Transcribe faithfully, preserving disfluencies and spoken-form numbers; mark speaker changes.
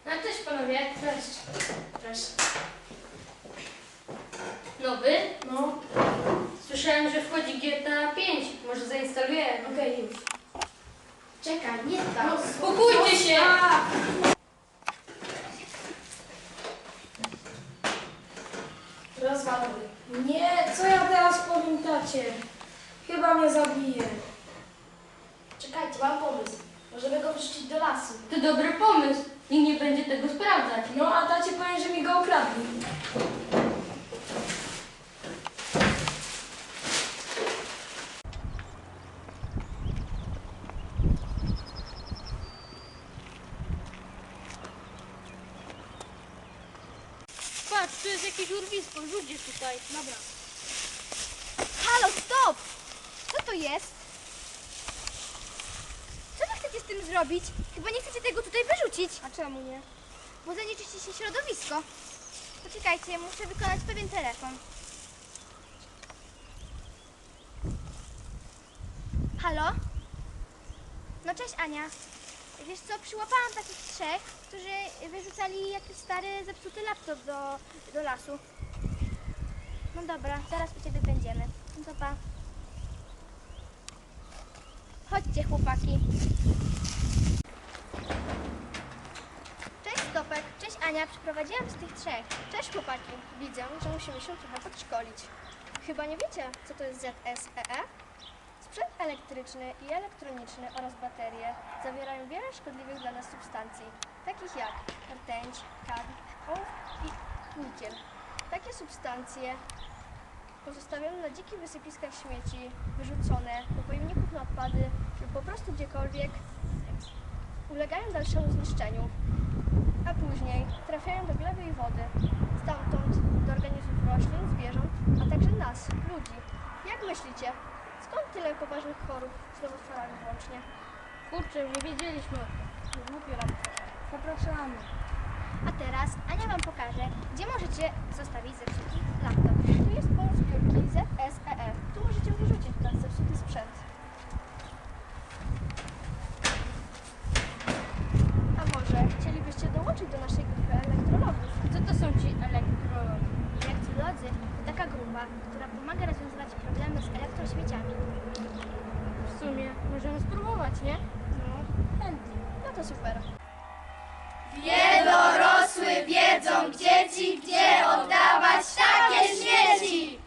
Speaker 1: A cześć panowie.
Speaker 2: Cześć. Cześć.
Speaker 1: Nowy?
Speaker 2: No,
Speaker 1: Słyszałem, że wchodzi G T A pięć. Może zainstaluję?
Speaker 2: okej, już. Czekaj, nie tak.
Speaker 1: No, spokójcie się!
Speaker 2: A! Rozwalony. Nie, co ja teraz powiem tacie? Chyba mnie zabije. Czekajcie, mam pomysł. Możemy go wrzucić do lasu.
Speaker 1: To dobry pomysł. Nikt nie będzie tego sprawdzać.
Speaker 2: No, a tacie powiem, że mi go ukradli.
Speaker 1: Patrz, tu jest jakieś urwisko. Rzuć je tutaj.
Speaker 2: Dobra.
Speaker 3: Halo, stop! Co to jest? Co wy chcecie z tym zrobić? Chyba nie chcecie tego tutaj wyrzucić.
Speaker 2: A czemu nie?
Speaker 3: Bo zanieczyści się środowisko. Poczekajcie, muszę wykonać pewien telefon. Halo? No cześć Ania. Wiesz co, przyłapałam takich trzech, którzy wyrzucali jakiś stary, zepsuty laptop do, do lasu. No dobra, zaraz u ciebie będziemy. No to pa. Chodźcie chłopaki. Cześć Stopek, cześć Ania, przyprowadziłam z tych trzech. Cześć chłopaki, widzę, że musimy się trochę podszkolić. Chyba nie wiecie, co to jest Z S E E? Sprzęt elektryczny i elektroniczny oraz baterie zawierają wiele szkodliwych dla nas substancji, takich jak rtęć, kadm, ołów i nikiel. Takie substancje pozostawione na dzikich wysypiskach śmieci, wyrzucone do pojemników na odpady lub po prostu gdziekolwiek, ulegają dalszemu zniszczeniu, a później trafiają do gleby i wody, stamtąd do organizmów roślin, zwierząt, a także nas, ludzi. Jak myślicie, skąd tyle poważnych chorób z nowotworami włącznie?
Speaker 1: Kurczę, nie wiedzieliśmy.
Speaker 2: Głupio nam trochę. Zapraszamy.
Speaker 3: A teraz Ania Wam pokaże, gdzie możecie zostawić zepsuty laptop. Tu jest punkt zbiórki Z S E E. Tu możecie wyrzucić ten zepsuty sprzęt. A może chcielibyście dołączyć do naszej grupy elektrologów?
Speaker 1: Co to są ci elektrolodzy?
Speaker 3: Elektrolodzy to taka grupa, która pomaga rozwiązywać problemy z elektrośmieciami.
Speaker 1: W sumie możemy spróbować, nie?
Speaker 3: No, chętnie. No to super.
Speaker 4: Wie dorosły wiedzą dzieci, gdzie oddawać takie śmieci.